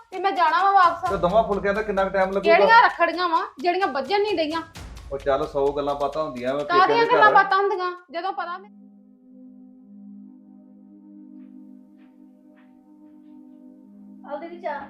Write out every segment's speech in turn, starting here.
ਤੇ ਮੈਂ ਜਾਣਾ ਵਾ ਵਾਪਸ। ਤੇ ਦੋਵਾਂ ਫੁਲਕਿਆਂ ਦਾ ਕਿੰਨਾ ਟਾਈਮ ਲੱਗੂਗਾ? ਕਿਹੜੀਆਂ ਰੱਖੜੀਆਂ ਵਾ ਜਿਹੜੀਆਂ ਵੱਜਣ ਨਹੀਂ ਡਈਆਂ? ਉਹ ਚੱਲ 100 ਗੱਲਾਂ ਬਾਤਾਂ ਹੁੰਦੀਆਂ ਵਾ ਪੇਕਿਆਂ ਕਾਹਦੀਆਂ ਦੇ ਗੱਲਾਂ ਘਰ। ਬਾਤਾਂ ਹੁੰਦੀਆਂ ਜਦੋਂ ਪਤਾ ਆਉਦੇ ਦੀ ਚਾਹ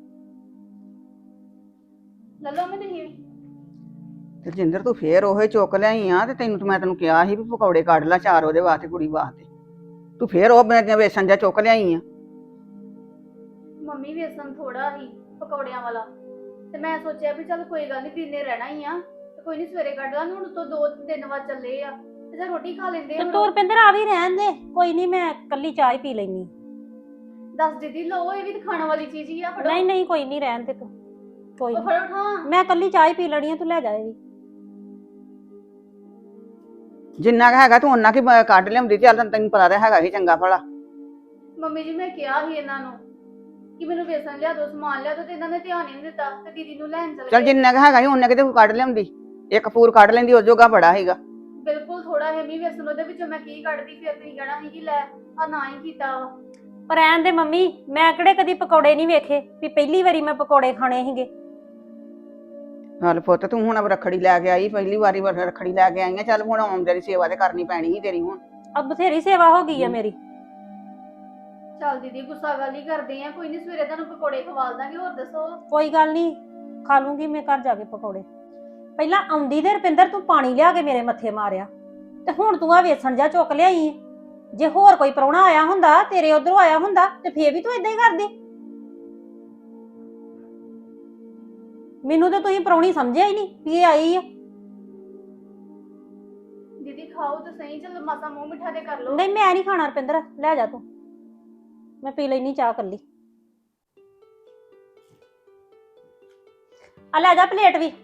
ਲੱਲੋ ਮੈਂ ਨਹੀਂ। ਰਜਿੰਦਰ ਤੂੰ ਫੇਰ ਉਹੇ ਚੁੱਕ ਲਿਆਈ ਆ ਤੇ ਮੈਂ ਤੈਨੂੰ ਕਿਹਾ ਸੀ ਵੀ ਪਕੌੜੇ ਕੱਢ ਲੈ ਚਾਰ ਉਹਦੇ ਵਾਸਤੇ ਕੁੜੀ ਵਾਸਤੇ। ਤੂੰ ਫੇਰ ਉਹ ਮੈਂ ਵੇਸਣ ਜਾ ਚੁੱਕ ਲਿਆਈ ਆ। ਮੰਮੀ ਵੇਸਣ ਥੋੜਾ ਹੀ ਪਕੌੜਿਆਂ ਵਾਲਾ ਤੇ ਮੈਂ ਸੋਚਿਆ ਵੀ ਚੱਲ ਕੋਈ ਗੱਲ ਨਹੀਂ ਦਿਨੇ ਰਹਿਣਾ ਹੀ ਆ ਤੇ ਕੋਈ ਨਹੀਂ ਸਵੇਰੇ ਕੱਢ ਲਾਂਗੇ। ਹੁਣ ਤੋਂ 2-3 ਵਾਰ ਚੱਲੇ ਆ ਤੇ ਜਾਂ ਰੋਟੀ ਖਾ ਲੈਂਦੇ ਤੇ ਤੂੰ ਰੁਪਿੰਦਰ ਆ ਵੀ ਰਹਿਣ ਦੇ, ਕੋਈ ਨਹੀਂ ਮੈਂ ਕੱਲੀ ਚਾਹ ਹੀ ਪੀ ਲੈਣੀ। ਦੱਸ ਦੀਦੀ ਲਓ ਇਹ ਵੀ ਤਾਂ ਖਾਣ ਵਾਲੀ ਚੀਜ਼ ਹੀ ਆ। ਫੜੋ ਨਹੀਂ ਨਹੀਂ ਕੋਈ ਨਹੀਂ ਰਹਿਣ ਦੇ ਤੂੰ, ਕੋਈ ਉਹ ਨੀ। ਫੜੋ ਠਾਂ। ਮੈਂ ਕੱਲੀ ਚਾਹ ਹੀ ਪੀ ਲੈਣੀ ਆ, ਤੂੰ ਲੈ ਜਾ ਇਹ ਵੀ। ਜਿੰਨਾ ਕੁ ਹੈਗਾ ਤੂੰ ਉਹਨਾਂ ਕੀ ਕੱਢ ਲਿਆਉਂਦੀ। ਚੱਲ ਤੈਨੂੰ ਪਤਾ ਤਾਂ ਹੈਗਾ ਹੀ ਚੰਗਾ ਭਲਾ। ਮੰਮੀ ਜੀ ਮੈਂ ਕਿਹਾ ਸੀ ਇਹਨਾਂ ਨੂੰ ਕਿ ਮੈਨੂੰ ਵੇਸਣ ਲਿਆ ਦੋ, ਸਮਾਨ ਲਿਆ ਦੋ, ਤੇ ਇਹਨਾਂ ਨੇ ਧਿਆਨ ਹੀ ਨਹੀਂ ਦਿੱਤਾ ਤੇ ਦੀਦੀ ਨੂੰ ਲੈਣ ਚਲੇ ਚੱਲ ਗਏ। ਜਿੰਨਾ ਕੁ ਹੈਗਾ ਸੀ ਉਹਨਾਂ ਕਿਤੇ ਤੂੰ ਕੱਢ ਲਿਆਉਂਦੀ। ਇੱਕ ਪੂਰ ਕੱਢ ਲੈਂਦੀ ਉਹ ਜੋਗਾ ਬੜਾ ਹੈਗਾ। ਬਿਲਕੁਲ ਥੋੜਾ ਹੈ ਮੀ ਵੇਸਣ, ਉਹਦੇ ਵਿੱਚੋਂ ਮੈਂ ਕੀ ਕੱਢਦੀ? ਫਿਰ ਤੁਸੀਂ ਕਹਿਣਾ ਸੀ ਕਿ ਲੈ ਆ ਨਾ ਹੀ ਕੀਤਾ ਵਾ। ਪਰ ਰਹਿਣ ਦੇ ਮੰਮੀ, ਮੈਂ ਕਿਹੜੇ ਕਦੀ ਪਕੌੜੇ ਨਹੀਂ ਵੇਖੇ ਵੀ ਪਹਿਲੀ ਵਾਰੀ ਮੈਂ ਪਕੌੜੇ ਖਾਣੇ ਸੀਗੇ। ਹਲ ਪੁੱਤ ਤੂੰ ਹੁਣ ਰੱਖੜੀ ਲੈ ਕੇ ਆਈ, ਪਹਿਲੀ ਵਾਰੀ ਰੱਖੜੀ ਲੈ ਕੇ ਆਈ ਆ। ਚੱਲ ਹੁਣ ਆਉਣ ਦੀ ਸੇਵਾ ਤੇ ਕਰਨੀ ਪੈਣੀ ਸੀ ਤੇਰੀ ਹੁਣ। ਅਬ ਬਥੇਰੀ ਸੇਵਾ ਹੋ ਗਈ ਆ ਮੇਰੀ। ਚੱਲ ਦੀਦੀ ਗੁੱਸਾ ਗੱਲ ਹੀ ਕਰਦੇ ਆ, ਕੋਈ ਨਹੀਂ ਸਵੇਰੇ ਤੁਹਾਨੂੰ ਪਕੌੜੇ ਖਵਾ ਦਾਂਗੇ। ਹੋਰ ਦੱਸੋ? ਕੋਈ ਗੱਲ ਨਹੀਂ, ਖਾ ਲੂੰਗੀ ਮੈਂ ਘਰ ਜਾ ਕੇ ਪਕੌੜੇ। ਪਹਿਲਾਂ ਆਉਂਦੀ ਦੇ ਰੁਪਿੰਦਰ ਤੂੰ ਪਾਣੀ ਲਿਆ ਕੇ ਮੇਰੇ ਮੱਥੇ ਮਾਰਿਆ, ਤੇ ਹੁਣ ਤੂੰ ਆ ਵੇਸਣ ਜਾ ਚੁੱਕ ਲਿਆਈ। ਜੇ ਹੋਰ ਕੋਈ ਪ੍ਰਾਹੁਣਾ ਆਇਆ ਹੁੰਦਾ, ਤੇਰੇ ਉਧਰੋਂ ਆਇਆ ਹੁੰਦਾ, ਤੇ ਫੇਰ ਵੀ ਤੂੰ ਇਦਾਂ ਹੀ ਕਰਦੀ। ਮੈਨੂੰ ਤਾਂ ਤੁਸੀਂ ਪ੍ਰਾਹੁਣੀ ਸਮਝਿਆ ਹੀ ਨਹੀਂ ਵੀ ਇਹ ਆਈ ਆ। ਦੀਦੀ ਖਾਓ ਤਾਂ ਸਹੀ, ਚਲ ਮਾਸਾ ਮੂੰਹ ਮਿੱਠਾ ਤੇ ਕਰ ਲਓ। ਨਹੀਂ ਮੈਂ ਨਹੀਂ ਖਾਣਾ ਰੁਪਿੰਦਰ, ਲੈ ਜਾ ਤੂੰ, ਮੈਂ ਪੀ ਲੈਣੀ ਚਾਹ ਕੱਲੀ। ਆ ਲੈ ਜਾ ਪਲੇਟ ਵੀ।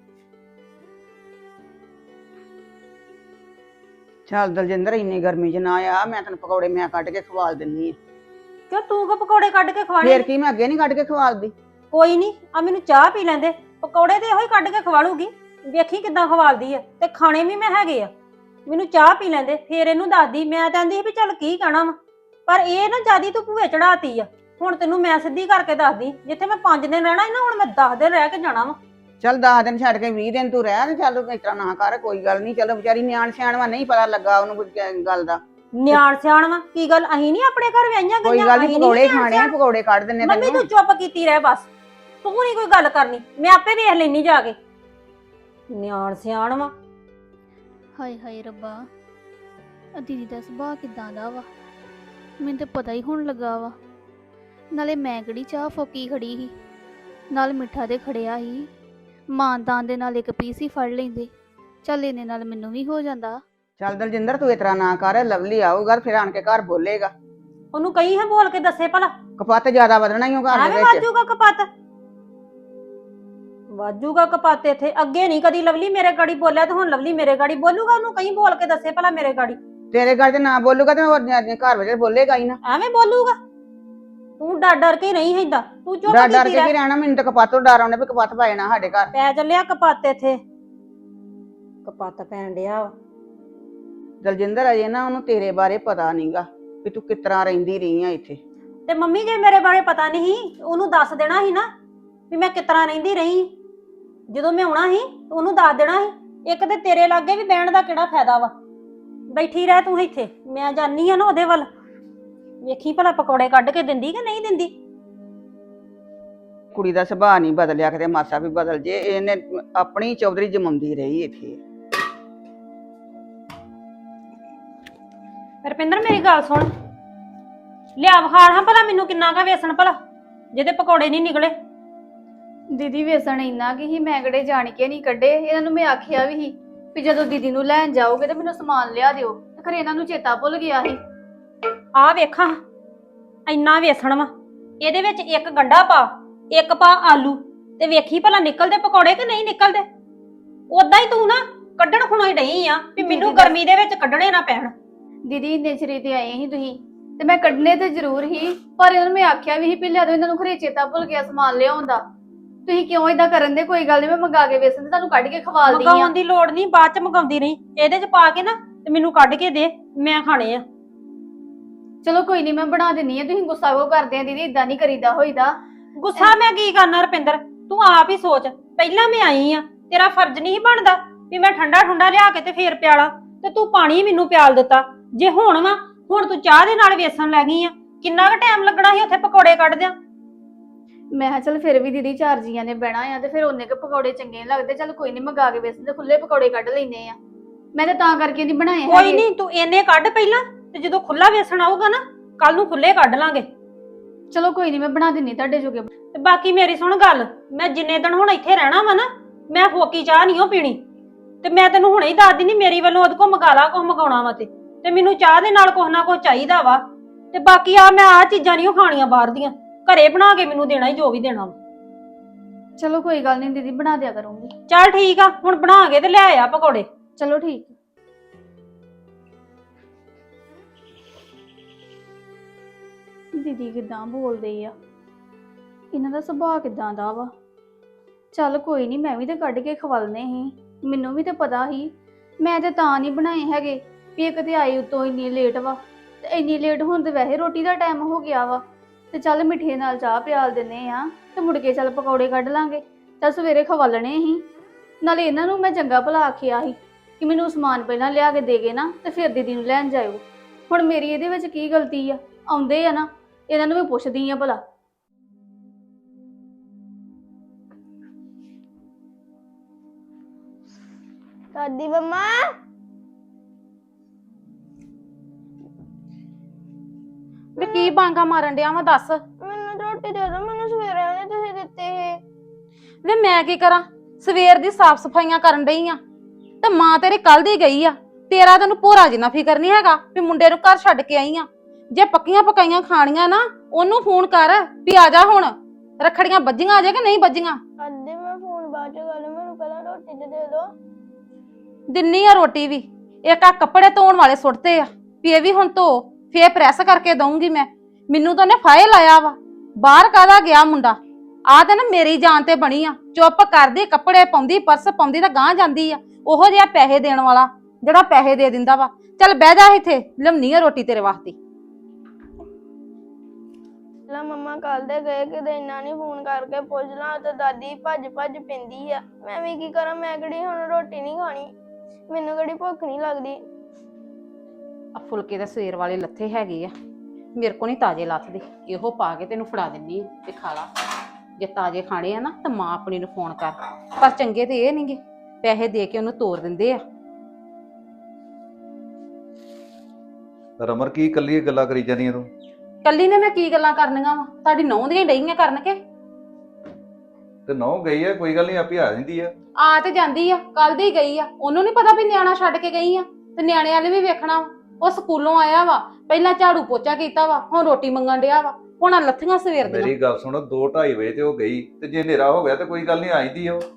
ਚੱਲ ਦਲਜਿੰਦਰ ਇੰਨੀ ਗਰਮੀ 'ਚ ਨਾ ਆ, ਮੈਂ ਤੈਨੂੰ ਪਕੌੜੇ ਮੈਂ ਕੱਢ ਕੇ ਖਵਾਲ ਦਿੰਨੀ ਆ। ਕਿਉਂ ਤੂੰ ਕੋ ਪਕੌੜੇ ਕੱਢ ਕੇ ਖਵਾਣੇ? ਫੇਰ ਕੀ ਮੈਂ ਅੱਗੇ ਨਹੀਂ ਕੱਢ ਕੇ ਖਵਾਲਦੀ? ਕੋਈ ਨਹੀਂ, ਆ ਮੈਨੂੰ ਚਾਹ ਪੀ ਲੈਂਦੇ, ਪਕੌੜੇ ਤੇ ਇਹੋ ਹੀ ਕੱਢ ਕੇ ਖਵਾਲੂਗੀ। ਵੇਖੀ ਕਿਦਾਂ ਖਵਾਲਦੀ ਆ, ਤੇ ਖਾਣੇ ਵੀ ਮੈਂ ਹੈਗੇ ਆ। ਮੈਨੂੰ ਚਾਹ ਪੀ ਲੈਂਦੇ ਫੇਰ ਇਹਨੂੰ ਦੱਸਦੀ। ਮੈਂ ਤਾਂ ਆਂਦੀ ਸੀ ਵੀ ਚੱਲ ਕੀ ਕਹਿਣਾ ਵਾ, ਪਰ ਇਹ ਨਾ ਜਿਆਦੀ ਤੂੰ ਭੂਏ ਚੜਾਤੀ ਆ। ਹੁਣ ਤੈਨੂੰ ਮੈਂ ਸਿੱਧੀ ਕਰਕੇ ਦੱਸਦੀ, ਜਿੱਥੇ ਮੈਂ 5 ਦਿਨ ਰਹਿਣਾ ਸੀ ਨਾ, ਹੁਣ ਮੈਂ 10 ਦਿਨ ਰਹਿ ਕੇ ਜਾਣਾ ਵਾ। ਚੱਲ 10 ਦਿਨ ਛੱਡ ਕੇ 20 ਦਿਨ ਤੂੰ ਰਹਿ। ਤੇ ਚੱਲ ਇਸ ਤਰ੍ਹਾਂ ਨਾ ਕਰ, ਕੋਈ ਗੱਲ ਨਹੀਂ। ਚਲੋ ਵਿਚਾਰੀ ਨਿਆਣ ਸਿਆਣ ਵਾ, ਨਹੀਂ ਪਤਾ ਲੱਗਾ ਉਹਨੂੰ ਕੁਝ ਗੱਲ ਦਾ। ਨਿਆਣ ਸਿਆਣ ਵਾ ਕੀ ਗੱਲ? ਅਸੀਂ ਨਹੀਂ ਆਪਣੇ ਘਰ ਵਿਆਹੀਆਂ ਕੋਈ ਗਈਆਂ? ਗੱਲ ਨਹੀਂ, ਅਸੀਂ ਪਕੌੜੇ ਨਿਆਣ ਖਾਣੇ ਆ, ਸਿਆਣ? ਪਕੌੜੇ ਕੱਢ ਦਿੰਨੇ ਮੰਮੀ ਤੈਨੂੰ। ਤੂੰ ਚੁੱਪ ਕੀਤੀ ਰਹਿ ਬਸ, ਤੂੰ ਨਹੀਂ ਕੋਈ ਗੱਲ ਕਰਨੀ, ਮੈਂ ਆਪੇ ਵੇਖ ਲੈਣੀ ਜਾ ਕੇ। ਨਿਆਣ ਸਿਆਣ ਵਾ। ਹਾਏ ਹਾਏ ਰੱਬਾ, ਆ ਦੀਦੀ ਦਾ ਸੁਭਾਅ ਕਿਦਾਂ ਦਾ ਵਾ, ਮੈਨੂੰ ਤਾਂ ਪਤਾ ਹੀ ਹੋਣ ਲੱਗਾ ਵਾ। ਨਾਲੇ ਮੈਂ ਕਿਹੜੀ ਚਾਹ ਫੋਕੀ ਖੜੀ ਸੀ, ਨਾਲ ਮਿੱਠਾ ਤੇ ਖੜਿਆ ਸੀ। ਮਾਨਦਾਨ ਦੇ ਨਾਲ ਇੱਕ ਪੀਸ ਹੀ ਫੜ ਲੈਂਦੇ, ਚੱਲ ਇਹਨੇ ਨਾਲ ਮੈਨੂੰ ਵੀ ਹੋ ਜਾਂਦਾ। ਚੱਲ ਦਲਜਿੰਦਰ ਤੂੰ ਇਸ ਤਰ੍ਹਾਂ ਨਾ ਕਰ, ਲਵਲੀ ਆਊਗਾ ਫਿਰ ਆਣ ਕੇ ਘਰ ਬੋਲੇਗਾ। ਉਹਨੂੰ ਕਹੀ ਹੈ ਬੋਲ ਕੇ ਦੱਸੇ ਭਲਾ। ਕਪੱਤ ਜ਼ਿਆਦਾ ਵਧਣਾ ਹੀ ਉਹ ਘਰ ਦੇ ਐਵੇਂ ਵਿੱਚ। ਵਾਜੂਗਾ ਕਪੱਤ, ਵਾਜੂਗਾ ਕਪੱਤ ਇੱਥੇ। ਅੱਗੇ ਨਹੀਂ ਕਦੀ ਲਵਲੀ ਮੇਰੇ ਗਾੜੀ ਬੋਲਿਆ, ਤੇ ਹੁਣ ਲਵਲੀ ਮੇਰੇ ਗਾੜੀ ਬੋਲੂਗਾ। ਉਹਨੂੰ ਕਹੀਂ ਬੋਲ ਕੇ ਦੱਸੇ ਭਲਾ ਮੇਰੇ ਗਾੜੀ। ਤੇਰੇ ਘਰ ਤੇ ਨਾ ਬੋਲੂਗਾ ਤੇ ਹੋਰ ਘਰ ਵਿੱਚ ਬੋਲੇਗਾ ਹੀ ਨਾ। ਐਵੇਂ ਬੋਲੂਗਾ। ਤੂੰ ਡਰ ਡਰ ਕੇ ਨਹੀਂ ਏਦਾਂ, ਤੂੰ ਚੁੱਪ ਡਰ ਡਰ ਕੀਤੀ ਕੇ ਕੀ ਰਹਿ। ਰਹਿਣਾ, ਮੈਨੂੰ ਤਾਂ ਕਪੱਤ ਤੋਂ ਡਰ ਆਉਂਦਾ ਵੀ ਕਪੱਤ ਪੈ ਜਾਣਾ ਸਾਡੇ ਘਰ। ਪੈ ਚੱਲਿਆ ਕਪੱਤ ਇੱਥੇ, ਕਪੱਤ ਪੈਣ ਡਿਆ ਵਾ। ਦਲਜਿੰਦਰ ਅਜੇ ਨਾ ਉਹਨੂੰ ਤੇਰੇ ਬਾਰੇ ਪਤਾ ਨਹੀਂਗਾ ਵੀ ਤੂੰ ਕਿਸ ਤਰ੍ਹਾਂ ਰਹਿੰਦੀ ਰਹੀ ਆ ਇੱਥੇ। ਤੇ ਮੰਮੀ ਜੇ ਮੇਰੇ ਬਾਰੇ ਪਤਾ ਨਹੀਂ ਸੀ, ਉਹਨੂੰ ਦੱਸ ਦੇਣਾ ਸੀ ਨਾ ਵੀ ਮੈਂ ਕਿਸ ਤਰ੍ਹਾਂ ਰਹਿੰਦੀ ਰਹੀ। ਜਦੋਂ ਮੈਂ ਆਉਣਾ ਸੀ ਉਹਨੂੰ ਦੱਸ ਦੇਣਾ ਸੀ। ਇੱਕ ਤੇ ਤੇਰੇ ਲਾਗੇ ਵੀ ਬਹਿਣ ਦਾ ਕਿਹੜਾ ਫਾਇਦਾ ਵਾ? ਬੈਠੀ ਰਹਿ ਤੂੰ ਇੱਥੇ, ਮੈਂ ਜਾਨੀ ਆ ਨਾ ਉਹਦੇ ਵੱਲ। ਵੇਖੀ ਭਲਾ ਪਕੌੜੇ ਕੱਢ ਕੇ ਦਿੰਦੀ ਕਿ ਨਹੀਂ ਦਿੰਦੀ। ਕੁੜੀ ਦਾ ਸੁਭਾਅ ਨਹੀਂ ਬਦਲਿਆ ਕਿਤੇ ਮਾਸਾ ਵੀ ਬਦਲ ਜੇ। ਇਹਨੇ ਆਪਣੀ ਚੌਧਰੀ ਜਮਾਉਂਦੀ ਰਹੀ ਇੱਥੇ। ਰੁਪਿੰਦਰ ਮੇਰੀ ਗੱਲ ਸੁਣ, ਲਿਆ ਵਿਖਾੜ ਹਾਂ ਭਲਾ ਮੈਨੂੰ ਕਿੰਨਾ ਕਾ ਵੇਸਣ ਭਲਾ ਜਿਹਦੇ ਪਕੌੜੇ ਨਹੀਂ ਨਿਕਲੇ। ਦੀਦੀ ਵੇਸਣ ਇੰਨਾ ਕਿ ਹੀ ਮੈਂ ਕਿਹੜੇ ਜਾਣ ਕੇ ਨਹੀਂ ਕੱਢੇ। ਇਹਨਾਂ ਨੂੰ ਮੈਂ ਆਖਿਆ ਵੀ ਸੀ ਵੀ ਜਦੋਂ ਦੀਦੀ ਨੂੰ ਲੈਣ ਜਾਓਗੇ ਤੇ ਮੈਨੂੰ ਸਮਾਨ ਲਿਆ ਦਿਓ, ਤੇ ਖਰੇ ਇਹਨਾਂ ਨੂੰ ਚੇਤਾ ਭੁੱਲ ਗਿਆ ਸੀ। ਆਹ ਵੇਖਾਂ ਇੰਨਾ ਵੇਸਣ ਵਾ, ਇਹਦੇ ਵਿੱਚ ਇੱਕ ਗੰਢਾ ਪਾ, ਇੱਕ ਪਾ ਆਲੂ, ਤੇ ਵੇਖੀ ਭਲਾ ਨਿਕਲਦੇ ਪਕੌੜੇ ਕਿ ਨਹੀਂ ਨਿਕਲਦੇ। ਉਦਾਂ ਹੀ ਤੂੰ ਨਾ ਕੱਢਣ ਖੁਣੋਂ ਹੀ ਡਈ ਆ ਵੀ ਮੈਨੂੰ ਗਰਮੀ ਦੇ ਵਿੱਚ ਕੱਢਣੇ ਨਾ ਪੈਣ। ਦੀਦੀ ਇੰਨੇ ਚਿਰ ਤੇ ਆਏ ਸੀ ਤੁਸੀਂ, ਤੇ ਮੈਂ ਕੱਢਨੇ ਤੇ ਜ਼ਰੂਰ ਹੀ, ਪਰ ਇਹਨਾਂ ਨੂੰ ਮੈਂ ਆਖਿਆ ਵੀ ਸੀ ਵੀ ਲਿਆ ਦਿਓ। ਇਹਨਾਂ ਨੂੰ ਖਰੇ ਚੇਤਾ ਭੁੱਲ ਗਿਆ ਸਮਾਨ ਲਿਆਉਣ ਦਾ। ਤੁਸੀਂ ਕਿਉਂ ਏਦਾਂ ਕਰਨ ਦੇ? ਕੋਈ ਗੱਲ ਨਹੀਂ, ਮੈਂ ਮੰਗਾ ਕੇ ਵੇਸਣ ਤੇ ਤੁਹਾਨੂੰ ਕੱਢ ਕੇ ਖਵਾਲਦੀ ਆ। ਮੰਗਾਉਣ ਦੀ ਲੋੜ ਨਹੀਂ, ਬਾਅਦ ਚ ਮੰਗਾਉਂਦੀ ਰਹੀ। ਇਹਦੇ ਚ ਪਾ ਕੇ ਨਾ ਤੇ ਮੈਨੂੰ ਕੱਢ ਕੇ ਦੇ, ਮੈਂ ਖਾਣੇ ਆ। ਚਲੋ ਕੋਈ ਨਹੀਂ, ਮੈਂ ਬਣਾ ਦਿੰਨੀ ਆ। ਤੁਸੀਂ ਗੁੱਸਾ ਕਿਉਂ ਕਰਦੇ ਆ ਦੀਦੀ? ਇਦਾਂ ਨਹੀਂ ਕਰੀਦਾ ਹੋਈਦਾ। ਗੁੱਸਾ ਮੈਂ ਕੀ ਕਰਨਾ ਰੁਪਿੰਦਰ, ਤੂੰ ਆਪ ਹੀ ਸੋਚ। ਪਹਿਲਾਂ ਮੈਂ ਆਈ ਆ, ਤੇਰਾ ਫਰਜ਼ ਨਹੀਂ ਬਣਦਾ ਵੀ ਮੈਂ ਠੰਡਾ ਠੰਡਾ ਲਿਆ ਕੇ ਤੇ ਫੇਰ ਪਿਆਲਾ, ਤੇ ਤੂੰ ਪਾਣੀ ਮੈਨੂੰ ਪਿਆਲ ਦਿੱਤਾ। ਜੇ ਹੁਣ ਹੁਣ ਤੂੰ ਚਾਹ ਦੇ ਨਾਲ ਵੇਸਣ ਲੈ ਗਈ ਆ, ਕਿੰਨਾ ਕੁ ਟਾਈਮ ਲੱਗਣਾ ਸੀ ਉੱਥੇ ਪਕੌੜੇ ਕੱਢਦਿਆਂ। ਮੈਂ ਕਿਹਾ ਚੱਲ ਫਿਰ ਵੀ ਦੀਦੀ 4 ਜੀਆਂ ਨੇ ਬਹਿਣਾ ਆ ਤੇ ਫਿਰ ਉਹਨੇ ਕੇ ਪਕੌੜੇ ਚੰਗੇ ਨੀ ਲੱਗਦੇ, ਚੱਲ ਕੋਈ ਨਹੀਂ ਮੰਗਾ ਕੇ ਵੇਸਣ ਦੇ ਖੁੱਲੇ ਪਕੌੜੇ ਕੱਢ ਲੈਨੇ ਆ। ਮੈਂ ਤਾਂ ਕਰਕੇ ਨਹੀਂ ਬਣਾਏ ਕੋਈ ਹੈਗੇ। ਨਹੀਂ, ਤੂੰ ਇੰਨੇ ਕੱਢ ਪਹਿਲਾਂ, ਤੇ ਜਦੋਂ ਖੁੱਲਾ ਵੇਸਣ ਆਊਗਾ ਨਾ ਕੱਲ ਨੂੰ ਖੁੱਲੇ ਕੱਢ ਲਾਂਗੇ। ਚਲੋ ਕੋਈ ਨਹੀਂ, ਮੈਂ ਬਣਾ ਦਿੰਨੀ ਤੁਹਾਡੇ ਜੋਗੇ। ਤੇ ਬਾਕੀ ਮੇਰੀ ਸੁਣ ਗੱਲ, ਮੈਂ ਜਿੰਨੇ ਦਿਨ ਹੁਣ ਇੱਥੇ ਰਹਿਣਾ ਵਾ ਨਾ, ਮੈਂ ਫੋਕੀ ਚਾਹ ਨਹੀਂ ਓ ਪੀਣੀ। ਤੇ ਮੈਂ ਤੈਨੂੰ ਹੁਣੇ ਹੀ ਦੱਸ ਦਿੰਦੀ, ਮੇਰੀ ਵੱਲੋਂ ਉਹਦੇ ਕੋਲ ਮੰਗਾ ਲਾ ਕੁਛ ਮੰਗਾਉਣਾ ਵਾ ਤੇ ਮੈਨੂੰ ਚਾਹ ਦੇ ਨਾਲ ਕੁਛ ਨਾ ਕੁਛ ਚਾਹੀਦਾ ਵਾ। ਤੇ ਬਾਕੀ ਮੈਂ ਆ ਚੀਜ਼ਾਂ ਨਹੀਂ ਖਾਣੀਆਂ ਬਾਹਰ ਦੀਆਂ, ਘਰੇ ਬਣਾ ਕੇ ਮੈਨੂੰ ਦੇਣਾ ਹੀ ਜੋ ਵੀ ਦੇਣਾ ਵਾ। ਚਲੋ ਕੋਈ ਗੱਲ ਨਹੀਂ ਦੀਦੀ, ਬਣਾ ਦਿਆ ਕਰੂੰਗੀ। ਚੱਲ ਠੀਕ ਆ, ਹੁਣ ਬਣਾ ਕੇ ਤੇ ਲੈ ਆ ਪਕੌੜੇ। ਚਲੋ ਠੀਕ। ਦੀਦੀ ਕਿਦਾਂ ਬੋਲਦੇ ਆ, ਇਹਨਾਂ ਦਾ ਸੁਭਾਅ ਕਿਦਾਂ ਦਾ ਵਾ। ਚੱਲ ਕੋਈ ਨਹੀਂ, ਮੈਂ ਵੀ ਤੇ ਕੱਢ ਕੇ ਖਵਾਲਨੇ ਸੀ, ਮੈਨੂੰ ਵੀ ਤੇ ਪਤਾ ਸੀ। ਮੈਂ ਤੇ ਤਾਂ ਨਹੀਂ ਬਣਾਏ ਹੈਗੇ ਵੀ ਇੱਕ ਤੇ ਆਈ ਉਤੋਂ ਇੰਨੀ ਲੇਟ ਵਾ, ਤੇ ਇੰਨੀ ਲੇਟ ਹੁਣ ਤੇ ਵੈਸੇ ਰੋਟੀ ਦਾ ਟਾਈਮ ਹੋ ਗਿਆ ਵਾ। ਤੇ ਚੱਲ ਮਿੱਠੇ ਨਾਲ ਚਾਹ ਪਿਆਲ ਦਿੰਨੇ ਆ ਤੇ ਮੁੜ ਕੇ ਚੱਲ ਪਕੌੜੇ ਕੱਢ ਲਾਂਗੇ। ਚੱਲ ਸਵੇਰੇ ਖਵਾਲਣੇ ਸੀ, ਨਾਲੇ ਇਹਨਾਂ ਨੂੰ ਮੈਂ ਚੰਗਾ ਭਲਾ ਆਖਿਆ ਸੀ ਕਿ ਮੈਨੂੰ ਸਮਾਨ ਪਹਿਲਾਂ ਲਿਆ ਕੇ ਦੇ ਗਏ ਨਾ ਤੇ ਫਿਰ ਦੀਦੀ ਨੂੰ ਲੈਣ ਜਾਇਓ। ਹੁਣ ਮੇਰੀ ਇਹਦੇ ਵਿੱਚ ਕੀ ਗਲਤੀ ਆ? ਆਉਂਦੇ ਆ ਨਾ, ਇਹਨਾਂ ਨੂੰ ਵੀ ਪੁੱਛਦੀ ਆ ਭਲਾ। ਦਾਦੀ ਮੰਮਾ, ਵੇ ਕੀ ਬਾਂਗਾ ਮਾਰਨ ਡਿਆ ਵਾ ਦੱਸ। ਮੈਨੂੰ ਰੋਟੀ ਦੇ ਦੋ, ਮੈਨੂੰ ਸਵੇਰੇ ਉਹਨੇ ਤੁਸੀਂ ਦਿੱਤੇ ਸੀ। ਵੇ ਮੈਂ ਕੀ ਕਰਾਂ, ਸਵੇਰ ਦੀ ਸਾਫ ਸਫਾਈਆਂ ਕਰਨ ਡਈ ਆ ਤੇ ਮਾਂ ਤੇਰੀ ਕੱਲ ਦੀ ਗਈ ਆ। ਤੇਰਾ ਤੈਨੂੰ ਭੋਰਾ ਜਿੰਨਾ ਫਿਕਰ ਨਹੀਂ ਹੈਗਾ ਵੀ ਮੁੰਡੇ ਨੂੰ ਘਰ ਛੱਡ ਕੇ ਆਈ ਆ। ਜੇ ਪੱਕੀਆਂ ਪਕਾਈਆਂ ਖਾਣੀਆਂ ਨਾ, ਉਹਨੂੰ ਫੋਨ ਕਰ ਵੀ ਆ ਜਾ। ਹੁਣ ਰੱਖੜੀਆਂ ਵੱਜੀਆਂ ਆ ਜਾ ਕਿ ਨਹੀਂ ਵੱਜੀਆਂ? ਦਾਦੀ ਮੈਂ ਫੋਨ ਬਾਅਦ ਚ ਕਰ ਲੂ, ਮੈਨੂੰ ਪਹਿਲਾਂ ਰੋਟੀ ਤੇ ਦੇ ਦੋ। ਦਿੰਨੀ ਆ ਰੋਟੀ ਵੀ। ਇੱਕ ਆ ਕੱਪੜੇ ਧੋਣ ਵਾਲੇ ਸੁੱਟਦੇ ਆ ਵੀ ਇਹ ਵੀ ਹੁਣ ਧੋ, ਫੇਰ ਪ੍ਰੈਸ ਕਰਕੇ ਦਊਂਗੀ ਮੈਂ। ਮੈਨੂੰ ਤਾਂ ਉਹਨੇ ਫਾਇਲ ਲਾਇਆ ਵਾ, ਬਾਹਰ ਕਾਹਦਾ ਗਿਆ ਮੁੰਡਾ। ਆ ਤੇ ਨਾ ਮੇਰੀ ਜਾਨ ਤੇ ਬਣੀ ਆ। ਚੁੱਪ ਕਰਦੀ, ਕੱਪੜੇ ਪਾਉਂਦੀ, ਪਰਸ ਪਾਉਂਦੀ ਤਾਂ ਗਾਂਹ ਜਾਂਦੀ ਆ। ਉਹੋ ਜਿਹਾ ਪੈਸੇ ਦੇਣ ਵਾਲਾ ਜਿਹੜਾ ਪੈਸੇ ਦੇ ਦਿੰਦਾ ਵਾ। ਚੱਲ ਬਹਿ ਜਾ ਇੱਥੇ, ਲਿਆਉਣੀ ਆ ਰੋਟੀ ਤੇਰੇ ਵਾਸਤੇ। ਲਾ ਮੰਮਾ ਕੱਲ ਦੇ ਗਏ, ਕਿਤੇ ਇੰਨਾ ਨਹੀਂ ਫੋਨ ਕਰਕੇ ਪੁੱਛ ਲਾਂ ਤੇ ਦਾਦੀ ਭੱਜ ਭੱਜ ਪੈਂਦੀ ਆ। ਮੈਂ ਵੀ ਕੀ ਕਰਾਂ, ਮੈਂ ਕਿਹੜੀ ਹੁਣ ਰੋਟੀ ਨਹੀਂ ਖਾਣੀ, ਮੈਨੂੰ ਕਿਹੜੀ ਭੁੱਖ ਨਹੀਂ ਲੱਗਦੀ। ਆ ਫੁਲਕੇ ਤਾਂ ਸਵੇਰ ਵਾਲੇ ਲੱਥੇ ਹੈਗੇ ਆ, ਮੇਰੇ ਕੋ ਨਹੀਂ ਤਾਜ਼ੇ ਲੱਥਦੇ। ਇਹੋ ਪਾ ਕੇ ਤੈਨੂੰ ਫੜਾ ਦਿੰਨੀ ਆ ਤੇ ਖਾ ਲਾ। ਜੇ ਤਾਜ਼ੇ ਖਾਣੇ ਆ ਨਾ ਤਾਂ ਮਾਂ ਆਪਣੀ ਨੂੰ ਫੋਨ ਕਰ। ਪਰ ਚੰਗੇ ਤੇ ਇਹ ਨਹੀਂਗੇ, ਪੈਸੇ ਦੇ ਕੇ ਉਹਨੂੰ ਤੋਰ ਦਿੰਦੇ ਆ। ਰਮਰ ਕੀ ਕੱਲੀ ਗੱਲਾਂ ਕਰੀ ਜਾਂਦੀਆਂ ਤੂੰ? ਕੱਲੀ ਨੇ ਮੈਂ ਕੀ ਗੱਲਾਂ ਕਰਨੀਆਂ ਵਾ? ਤੁਹਾਡੀ ਨਹੁੰ ਦੀਆਂ ਡਈਆਂ ਕਰਨ ਕੇ। ਤੇ ਨਹੁੰ ਗਈ ਆ, ਕੋਈ ਗੱਲ ਨਹੀਂ, ਆਪੇ ਆ ਜਾਂਦੀ ਆ। ਆ ਤੇ ਜਾਂਦੀ ਆ, ਕੱਲ ਦੀ ਗਈ ਆ। ਉਹਨੂੰ ਨਹੀਂ ਪਤਾ ਵੀ ਨਿਆਣਾ ਛੱਡ ਕੇ ਗਈ ਆ, ਤੇ ਨਿਆਣੇ ਵਾਲੇ ਵੀ ਵੇਖਣਾ ਵਾ। ਉਹ ਸਕੂਲੋਂ ਆਇਆ ਵਾ, ਪਹਿਲਾਂ ਝਾੜੂ ਪੋਚਾ ਕੀਤਾ ਵਾ, ਹੁਣ ਰੋਟੀ ਮੰਗਣ ਡਿਆ ਵਾ। ਹੁਣ ਆ ਲੱਥੀਆਂ ਸਵੇਰ ਦੀਆਂ। ਮੇਰੀ ਗੱਲ ਸੁਣੋ, 2-2:30 ਵਜੇ ਤੇ ਉਹ ਗਈ, ਤੇ ਜੇ ਹਨੇਰਾ ਹੋ ਗਿਆ ਤੇ ਕੋਈ ਗੱਲ ਨਹੀਂ, ਆ ਜਾਂਦੀ ਆ ਉਹ।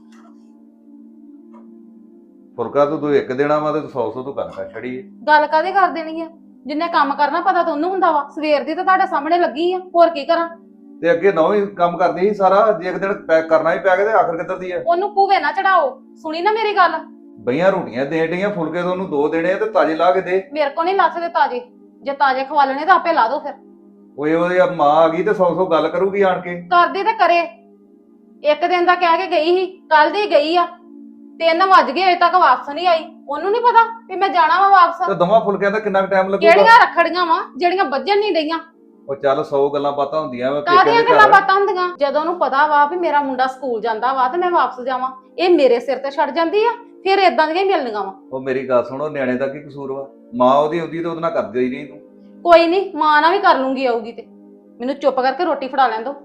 ਫੁਲਕਾ ਤੂੰ ਇੱਕ ਦੇਣਾ ਵਾ ਤੇ 100 ਤੂੰ ਕਣਕਾਂ ਛੜੀ ਏ। ਗੱਲ ਕਾਹਦੇ ਕਰ ਦੇਣੀ ਆ? ਜਿੰਨੇ ਕੰਮ ਕਰਨਾ ਪਤਾ ਤਾਂ ਉਹਨੂੰ ਹੁੰਦਾ ਵਾ। ਸਵੇਰ ਦੀ ਤਾਂ ਤੁਹਾਡੇ ਸਾਹਮਣੇ ਲੱਗੀ ਆ, ਹੋਰ ਕੀ ਕਰਾਂ? ਤੇ ਅੱਗੇ ਨਹੁੰ ਹੀ ਕੰਮ ਕਰਦੀ ਸੀ ਸਾਰਾ, ਜੇ ਇੱਕ ਦਿਨ ਕਰਨਾ ਹੀ ਪੈ ਗਿਆ ਤੇ ਆਖਰ ਕਿੱਧਰ ਦੀ ਆ? ਉਹਨੂੰ ਭੂਵੇ ਨਾ ਚੜਾਓ, ਸੁਣੀ ਨਾ ਮੇਰੀ ਗੱਲ। ਬਈਆਂ ਰੋਟੀਆਂ ਦੇਣ ਡਈਆਂ, ਫੁਲਕੇ ਤੋਂ ਉਹਨੂੰ 2 ਦੇਣੇ ਆ ਤੇ ਤਾਜ਼ੇ ਲਾ ਕੇ ਦੇ। ਮੇਰੇ ਕੋ ਨਹੀਂ ਲੱਥਦੇ ਤਾਜ਼ੇ। ਜੇ ਤਾਜ਼ੇ ਖਵਾ ਲੈਣੇ ਤਾਂ ਆਪੇ ਲਾ ਦੋ ਫਿਰ। ਓਏ ਉਹਦੀ ਮਾਂ ਆ ਗਈ ਤੇ 100 ਗੱਲ ਕਰੂਗੀ ਆਣ ਕੇ। ਕਰਦੀ ਤੇ ਕਰੇ। ਇੱਕ ਦਿਨ ਦਾ ਕਹਿ ਕੇ ਗਈ ਸੀ, ਕੱਲ ਦੀ ਗਈ ਆ। 3 ਵੱਜ ਗਏ, ਅਜੇ ਤੱਕ ਵਾਪਸ ਨਹੀਂ ਆਈ। ਉਹਨੂੰ ਨਹੀਂ ਪਤਾ ਵੀ ਮੈਂ ਜਾਣਾ ਵਾ ਵਾਪਸ। ਤੇ ਦੋਵਾਂ ਫੁਲਕਿਆਂ ਦਾ ਕਿੰਨਾ ਟਾਈਮ ਲੱਗੂਗਾ? ਕਿਹੜੀਆਂ ਰੱਖੜੀਆਂ ਵਾ ਜਿਹੜੀਆਂ ਵੱਜਣ ਨਹੀਂ ਡਈਆਂ? ਉਹ ਚੱਲ 100 ਗੱਲਾਂ ਬਾਤਾਂ ਹੁੰਦੀਆਂ ਵਾ ਕਾਹਦੀਆਂ ਗੱਲਾਂ ਬਾਤਾਂ ਹੁੰਦੀਆਂ? ਜਦੋਂ ਉਹਨੂੰ ਪਤਾ ਵਾ ਵੀ ਮੇਰਾ ਮੁੰਡਾ ਸਕੂਲ ਜਾਂਦਾ ਵਾ ਤੇ ਮੈਂ ਵਾਪਸ ਜਾਵਾਂ, ਇਹ ਮੇਰੇ ਸਿਰ ਤੇ ਛੱਡ ਜਾਂਦੀ ਆ। ਫਿਰ ਇਦਾਂ ਦੀਆਂ ਹੀ ਮਿਲਣੀਆਂ ਵਾ। ਉਹ ਮੇਰੀ ਗੱਲ ਸੁਣੋ, ਨਿਆਣੇ ਦਾ ਕੀ ਕਸੂਰ ਵਾ? ਮਾਂ ਉਹਦੀ ਤੇ ਉਹਦੇ ਨਾਲ ਕਰਦੀ ਹੀ ਨਹੀਂ ਤੂੰ। ਕੋਈ ਨਹੀਂ, ਮਾਂ ਨਾਲ ਵੀ ਕਰ ਲੂੰਗੀ ਆਊਗੀ ਤੇ। ਮੈਨੂੰ ਚੁੱਪ ਕਰਕੇ ਰੋਟੀ ਫੜਾ ਲੈਣ ਦੋ।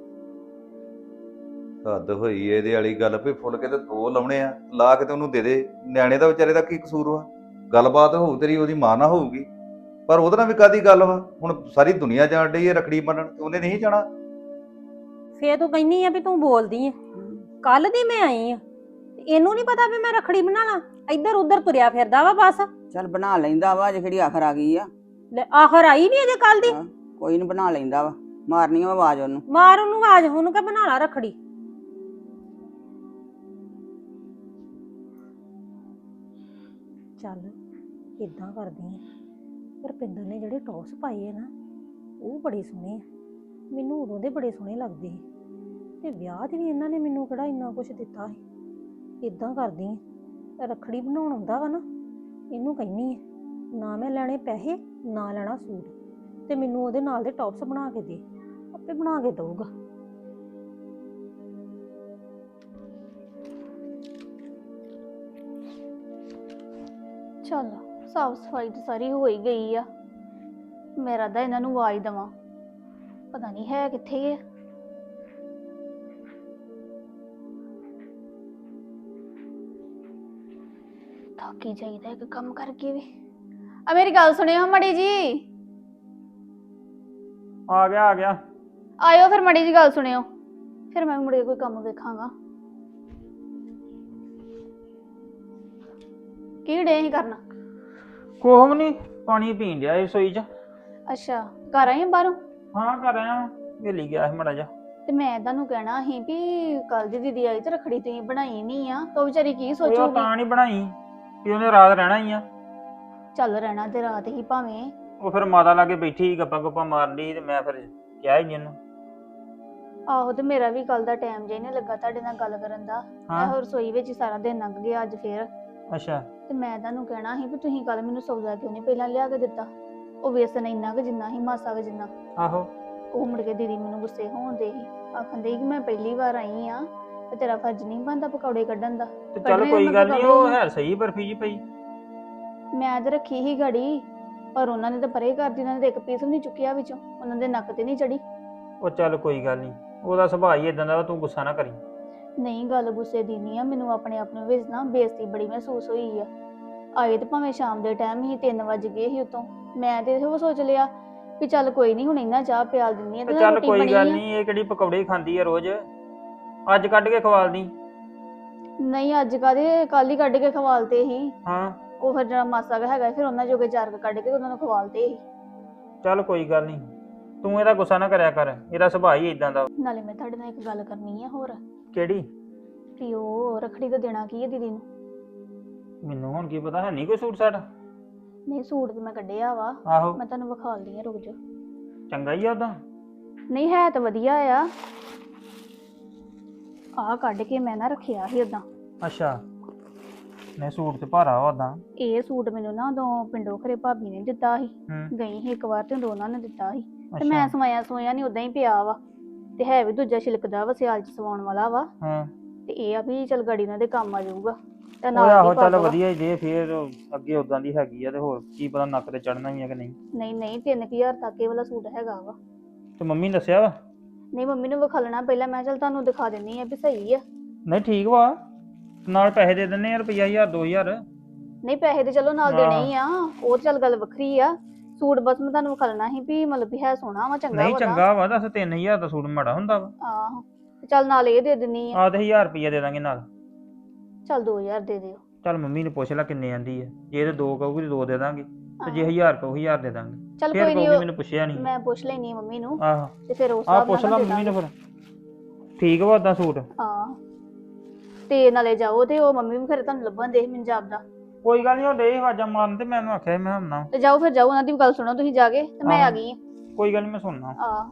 ਹੱਦ ਹੋਈ ਇਹਦੇ ਵਾਲੀ ਗੱਲ ਵੀ ਫੁਲਕੇ ਤੇ 2 ਲਾਉਣੇ ਆ, ਲਾ ਕੇ ਤੇ ਉਹਨੂੰ ਦੇ ਦੇ। ਨਿਆਣੇ ਦਾ ਵਿਚਾਰੇ ਦਾ ਕੀ ਕਸੂਰ ਵਾ? ਗੱਲਬਾਤ ਹੋਊ ਤੇਰੀ ਉਹਦੀ ਮਾਂ ਨਾਲ ਹੋਊਗੀ, ਪਰ ਉਹਦੇ ਨਾਲ ਵੀ ਕਾਦੀ ਗੱਲ ਵਾ? ਹੁਣ ਸਾਰੀ ਦੁਨੀਆ ਜਾਣ ਡਈ ਹੈ ਰੱਖੜੀ ਬੰਨਣ, ਤੇ ਉਹਨੇ ਨਹੀਂ ਜਾਣਾ? ਫੇਰ ਤੂੰ ਕਹਿੰਨੀ ਆ ਵੀ ਤੂੰ ਬੋਲਦੀ ਆ। ਕੱਲ ਦੀ ਮੈਂ ਆਈ ਆ, ਇਹਨੂੰ ਨਹੀਂ ਪਤਾ ਵੀ ਮੈਂ ਰੱਖੜੀ ਬਣਾ ਲਾਂ। ਇੱਧਰ ਉੱਧਰ ਤੁਰਿਆ ਫਿਰਦਾ ਵਾ ਬਸ। ਚੱਲ ਬਣਾ ਲੈਂਦਾ ਵਾ, ਜੇ ਕਿਹੜੀ ਆਖਰ ਆ ਗਈ ਆ। ਲੈ ਆਖਰ ਆਈ ਨਹੀਂ ਅਜੇ ਕੱਲ ਦੀ। ਕੋਈ ਨਹੀਂ ਬਣਾ ਲੈਂਦਾ ਵਾ, ਮਾਰਨੀ ਆ ਆਵਾਜ਼ ਉਹਨੂੰ। ਮਾਰ ਉਹਨੂੰ ਆਵਾਜ਼, ਉਹਨੂੰ ਕਹ ਬਣਾ ਲਾ ਰੱਖੜੀ। ਚੱਲ ਇਦਾਂ ਕਰਦੀ ਆ, ਰੁਪਿੰਦਰ ਨੇ ਜਿਹੜੇ ਟੌਪਸ ਪਾਏ ਆ ਨਾ, ਉਹ ਬੜੇ ਸੋਹਣੇ ਆ। ਮੈਨੂੰ ਉਦੋਂ ਦੇ ਬੜੇ ਸੋਹਣੇ ਲੱਗਦੇ ਸੀ। ਤੇ ਵਿਆਹ 'ਚ ਵੀ ਇਹਨਾਂ ਨੇ ਮੈਨੂੰ ਕਿਹੜਾ ਇੰਨਾ ਕੁਝ ਦਿੱਤਾ ਸੀ। ਇਦਾਂ ਕਰਦੀ ਆ, ਰੱਖੜੀ ਬਣਾਉਣ ਆਉਂਦਾ ਵਾ ਨਾ, ਇਹਨੂੰ ਕਹਿੰਨੀ ਆ ਨਾ ਮੈਂ ਲੈਣੇ ਪੈਸੇ ਨਾ ਲੈਣਾ ਸੂਟ, ਤੇ ਮੈਨੂੰ ਉਹਦੇ ਨਾਲ ਦੇ ਟੌਪਸ ਬਣਾ ਕੇ ਦੇ, ਆਪੇ ਬਣਾ ਕੇ ਦਊਗਾ। ਚੱਲ ਸਾਫ ਸਫਾਈ ਤਾਂ ਸਾਰੀ ਹੋ ਹੀ ਗਈ ਆ। ਮੇਰਾ ਤਾਂ ਇਹਨਾਂ ਨੂੰ ਆਵਾਜ਼ ਦੇਵਾਂ, ਪਤਾ ਨਹੀਂ ਹੈ ਕਿੱਥੇ ਆ। ਥੱਕੀ ਜਾਈਦਾ ਇੱਕ ਕੰਮ ਕਰਕੇ ਵੀ। ਆ ਮੇਰੀ ਗੱਲ ਸੁਣਿਓ ਮੜੀ ਜੀ, ਆ ਗਿਆ ਆਇਓ ਫਿਰ ਮੜੀ ਜੀ ਗੱਲ ਸੁਣਿਓ, ਫਿਰ ਮੈਂ ਵੀ ਮੁੜ ਕੇ ਕੋਈ ਕੰਮ ਵੇਖਾਂਗਾ। ਕੀ ਡੇ ਹੀ ਕਰਨਾ? ਕੋਹ ਵੀ ਨਹੀਂ, ਪਾਣੀ ਪੀਣ ਡਿਆ ਰਸੋਈ 'ਚ। ਅੱਛਾ ਘਰ ਆਏ ਆਂ ਬਾਹਰੋਂ? ਹਾਂ ਕਰ ਆਇਆ, ਵੇਲੀ ਗਿਆ ਸੀ ਮੜਾ ਜਾ। ਤੇ ਮੈਂ ਤੁਹਾਨੂੰ ਕਹਿਣਾ ਸੀ ਵੀ ਕੱਲ ਦੀ ਦੀਦੀ ਆਈ ਤੇ ਰੱਖੜੀ ਤੁਸੀਂ ਬਣਾਈ ਨਹੀਂ ਆ, ਤਾਂ ਉਹ ਵਿਚਾਰੀ ਕੀ ਉਹ ਸੋਚੂਗੀ? ਤਾਂ ਨਹੀਂ ਬਣਾਈ ਕਿ ਉਹਨੇ ਰਾਤ ਰਹਿਣਾ ਹੀ ਆ। ਚੱਲ ਰਹਿਣਾ ਤੇ ਰਾਤ ਹੀ ਭਾਵੇਂ। ਉਹ ਫਿਰ ਮਾਤਾ ਲਾਗੇ ਬੈਠੀ ਸੀ, ਗੱਪਾਂ ਗੁੱਪਾਂ ਮਾਰਨ ਡਈ, ਤੇ ਮੈਂ ਫਿਰ ਕਿਹਾ ਹੀ ਨਹੀਂ ਉਹਨੂੰ। ਆਹੋ ਤੇ ਮੇਰਾ ਵੀ ਕੱਲ ਦਾ ਟਾਈਮ ਜੇ ਨਹੀਂ ਲੱਗਾ ਤੁਹਾਡੇ ਨਾਲ ਗੱਲ ਕਰਨ ਦਾ। ਮੈਂ ਹੋਰ ਰਸੋਈ ਵਿੱਚ ਹੀ ਸਾਰਾ ਦਿਨ ਲੰਘ ਗਿਆ ਅੱਜ ਫੇਰ। ਅੱਛਾ ਤੇ ਮੈਂ ਤੁਹਾਨੂੰ ਕਹਿਣਾ ਸੀ ਵੀ ਤੁਸੀਂ ਕੱਲ ਮੈਨੂੰ ਸੌਦਾ ਕਿਉਂ ਨਹੀਂ ਪਹਿਲਾਂ ਲਿਆ ਕੇ ਦਿੱਤਾ? ਉਹ ਵੇਸਣ ਇੰਨਾ ਕੁ ਜਿੰਨਾ ਹੀ ਮਾਸਾ ਕੁ ਜਿੰਨਾ। ਆਹੋ ਉਹ ਮੁੜ ਕੇ ਦੀਦੀ ਮੈਨੂੰ ਗੁੱਸੇ ਹੋਣ ਦੇ ਸੀ, ਆਖੰਦੇ ਕਿ ਮੈਂ ਪਹਿਲੀ ਵਾਰ ਆਈ ਆ ਤੇ ਤੇਰਾ ਫਰਜ਼ ਨਹੀਂ ਬਣਦਾ ਪਕੌੜੇ ਕੱਢਣ ਦਾ। ਤੇ ਚੱਲ ਕੋਈ ਗੱਲ ਨਹੀਂ, ਉਹ ਹੈ ਸਹੀ ਬਰਫੀ ਜੀ ਪਈ। ਮੈਂ ਤੇ ਰੱਖੀ ਹੀ ਗੜੀ, ਪਰ ਉਹਨਾਂ ਨੇ ਤਾਂ ਪਰੇ ਕਰਦੀ, ਉਹਨਾਂ ਨੇ ਤਾਂ ਇੱਕ ਪੀਸ ਵੀ ਨਹੀਂ ਚੁੱਕਿਆ ਵਿੱਚੋਂ, ਉਹਨਾਂ ਦੇ ਨੱਕ ਤੇ ਨਹੀਂ ਚੜੀ। ਉਹ ਚੱਲ ਕੋਈ ਗੱਲ ਨਹੀਂ, ਉਹਦਾ ਸੁਭਾਅ ਹੀ ਇਦਾਂ ਦਾ ਵਾ, ਤੂੰ ਗੁੱਸਾ ਨਾ ਕਰੀ। ਨਹੀਂ ਗੱਲ ਗੁੱਸੇ ਦੀ ਨਹੀਂ ਆ, ਮੈਨੂੰ ਆਪਣੇ ਆਪ ਨੂੰ ਵਿੱਚ ਨਾ ਬੇਇੱਜ਼ਤੀ ਬੜੀ ਮਹਿਸੂਸ ਹੋਈ ਆ। ਆਏ ਤੇ ਭਾਵੇਂ ਸ਼ਾਮ ਦੇ ਟਾਈਮ ਹੀ 3 ਵਜ ਗਏ ਸੀ ਉਤੋਂ, ਮੈਂ ਤੇ ਉਹ ਸੋਚ ਲਿਆ ਵੀ ਚੱਲ ਕੋਈ ਨਹੀਂ ਹੁਣ ਇਹਨਾਂ ਚਾਹ ਪਿਆਲ ਦਿੰਦੀ ਆ ਤੇ ਚੱਲ ਰੋਟੀ ਕੋਈ ਬਣੀ ਗੱਲ ਆ। ਨਹੀਂ, ਇਹ ਕਿਹੜੀ ਪਕੌੜੇ ਖਾਂਦੀ ਆ ਰੋਜ਼, ਅੱਜ ਕੱਢ ਕੇ ਖਵਾਲਦੀ। ਨਹੀਂ ਅੱਜ ਕਾਹਦੇ, ਕੱਲ ਹੀ ਕੱਢ ਕੇ ਖਵਾਲਤੇ ਸੀ। ਹਾਂ ਉਹ ਫਿਰ ਜਿਹੜਾ ਮਾਸਾ ਕੁ ਹੈਗਾ ਫਿਰ ਉਹਨਾਂ ਜੋਗੇ 4 ਕੱਢ ਕੇ ਉਹਨਾਂ ਨੂੰ ਖਵਾਲਤੇ ਸੀ। ਚੱਲ ਕੋਈ ਗੱਲ ਨਹੀਂ, ਤੂੰ ਇਹਦਾ ਗੁੱਸਾ ਨਾ ਕਰਿਆ ਕਰ, ਇਹਦਾ ਸੁਭਾਅ ਹੀ ਇਦਾਂ ਦਾ। ਨਾਲੇ ਮੈਂ ਤੁਹਾਡੇ ਨਾਲ ਇੱਕ ਗੱਲ ਕਰਨੀ ਆ ਹੋਰ, ਕਿਹੜੀ? ਵੀ ਉਹ ਰੱਖੜੀ ਦਾ ਦੇਣਾ ਕੀ ਹੈ ਦੀਦੀ ਨੂੰ? ਮੈਨੂੰ ਹੁਣ ਕੀ ਪਤਾ, ਹੈ ਨਹੀਂ ਕੋਈ ਸੂਟ ਸਾਟ। ਨਹੀਂ ਸੂਟ ਤੇ ਮੈਂ ਕੱਢਿਆ ਵਾ, ਆਹੋ ਮੈਂ ਤੁਹਾਨੂੰ ਵਿਖਾਲਦੀ ਆ, ਰੁਕ ਜਾ। ਚੰਗਾ ਹੀ ਆ ਉਹਦਾ। ਨਹੀਂ ਹੈ ਤਾਂ ਵਧੀਆ ਆ, ਆਹ ਕੱਢ ਕੇ ਮੈਂ ਨਾ ਰੱਖਿਆ ਸੀ ਉਦਾਂ। ਅੱਛਾ ਨਹੀਂ ਸੂਟ ਤੇ ਭਾਰਾ ਉਹਦਾ। ਇਹ ਸੂਟ ਮੈਨੂੰ ਨਾ ਉਦੋਂ ਪਿੰਡੋਂ ਖਰੇ ਭਾਬੀ ਨੇ ਦਿੱਤਾ ਸੀ, ਹੂੰ ਗਈ ਸੀ ਇੱਕ ਵਾਰ ਤੇ ਉਹਨਾਂ ਨੇ ਦਿੱਤਾ ਸੀ ਤੇ ਅੱਛਾ ਮੈਂ ਸਵਾਇਆ ਨਹੀਂ, ਉਦਾਂ ਹੀ ਪਿਆ ਵਾ। ਤੇ ਹੈ ਵੀ ਦੂਜਾ ਛਿਲਕਦਾ ਵਾ, ਸਿਆਲ ਚ ਸਵਾਉਣ ਵਾਲਾ ਵਾ। ਹਾਂ ਤੇ ਇਹ ਆ ਵੀ ਚਲ ਗਾੜੀ ਨਾਲ ਦੇ ਕੰਮ ਆ ਜਾਊਗਾ ਤੇ ਉਹ ਨਾਲ ਆਹੋ ਦੀ ਚੱਲ ਪੱਗ ਵਾ। ਵਧੀਆ ਹੀ ਦੇ, ਫੇਰ ਅੱਗੇ ਉਦਾਂ ਦੀ ਹੈਗੀ ਆ, ਤੇ ਹੋਰ ਕੀ ਪਤਾ ਨੱਕ ਤੇ ਚੜਨਾ ਹੀ ਆ ਕਿ ਨਹੀਂ। ਨਹੀਂ ਨਹੀਂ 3000 ਤੱਕ ਇਹ ਵਾਲਾ ਸੂਟ ਹੈਗਾ ਵਾ। ਤੇ ਮੰਮੀ ਨੇ ਦੱਸਿਆ ਵਾ? ਨਹੀਂ ਮੰਮੀ ਨੂੰ ਵਿਖਾਲਣਾ ਪਹਿਲਾਂ, ਮੈਂ ਚਲ ਤੁਹਾਨੂੰ ਦਿਖਾ ਦਿੰਨੀ ਆ ਵੀ ਸਹੀ ਆ। ਨਹੀਂ ਠੀਕ ਵਾ, ਨਾਲ ਪੈਸੇ ਦੇ ਦਿੰਨੇ ਆ, ਰੁਪਈਆ 1000 2000। ਨਹੀਂ ਪੈਸੇ ਤੇ ਚਲੋ ਨਾਲ ਦੇਣੇ ਹੀ ਆ, ਉਹ ਚੱਲ ਗੱਲ ਵੱਖਰੀ ਆ। ਸੂਟ ਬਸ ਮੈਂ ਤੁਹਾਨੂੰ ਵਿਖਾਲਣਾ ਸੀ ਵੀ ਮਤਲਬ ਵੀ ਹੈ ਸੋਹਣਾ ਵਾ, ਚੰਗਾ ਨਹੀਂ ਵਾ। ਚੰਗਾ ਵਾ, ਦੱਸ 3000 ਦਾ ਸੂਟ ਮਾੜਾ ਹੁੰਦਾ ਵਾ? ਆਹੋ ਤੇ ਚੱਲ ਨਾਲ ਇਹ ਦੇ ਦਿੰਨੀ ਆ। ਆਹ ਤੇ 1000 ਰੁਪਈਆ ਦੇ ਦਾਂਗੇ ਨਾਲ। ਚੱਲ 2000 ਦੇ ਦਿਓ। ਚੱਲ ਮੰਮੀ ਨੂੰ ਪੁੱਛ ਲੈ ਕਿੰਨੇ ਆਂਦੀ ਆ, ਜੇ ਤੇ 2 ਕਹੂਗੀ ਤੇ 2 ਦੇ ਦਾਂਗੇ, ਤੇ ਜੇ 1000 ਕਹੂ 1000 ਦੇ ਦਾਂਗੇ। ਚੱਲ ਫੇਰ ਕੋਈ ਕਹੂਗੀ ਨਹੀਂ, ਮੈਨੂੰ ਪੁੱਛਿਆ ਨਹੀਂ। ਮੈਂ ਪੁੱਛ ਲੈਣੀ ਆ ਮੰਮੀ ਨੂੰ ਆਹੋ ਤੇ ਫਿਰ ਉਸ ਆਹ ਹਿਸਾਬ ਪੁੱਛ ਨਾਲ ਲਾ ਦੇ ਮੰਮੀ ਦਾਂਗੇ। ਨੂੰ ਫਿਰ। ਠੀਕ ਵਾ ਉਦਾਂ ਸੂਟ? ਹਾਂ ਤੇ ਨਾਲੇ ਜਾਓ ਤੇ ਉਹ ਮੰਮੀ ਵੀ ਫਿਰ ਤੁਹਾਨੂੰ ਲੱਭਣ ਦੇ ਮੈਨੂੰ ਜਾਪਦਾ। ਕੋਈ ਗੱਲ ਨਹੀਂ, ਉਹ ਡੇ ਆਵਾਜ਼ਾਂ ਮਾਰਨ ਤੇ ਮੈਨੂੰ ਆਖਿਆ ਮੈਂ ਹੁੰਨਾ। ਤੇ ਜਾਓ ਫਿਰ ਜਾਓ, ਉਹਨਾਂ ਦੀ ਵੀ ਗੱਲ ਸੁਣੋ ਤੁਸੀਂ ਜਾ ਕੇ, ਤੇ ਮੈਂ ਆ ਗਈ ਆ। ਕੋਈ ਗੱਲ ਨਹੀਂ, ਮੈਂ ਸੁਣਨਾ। ਆ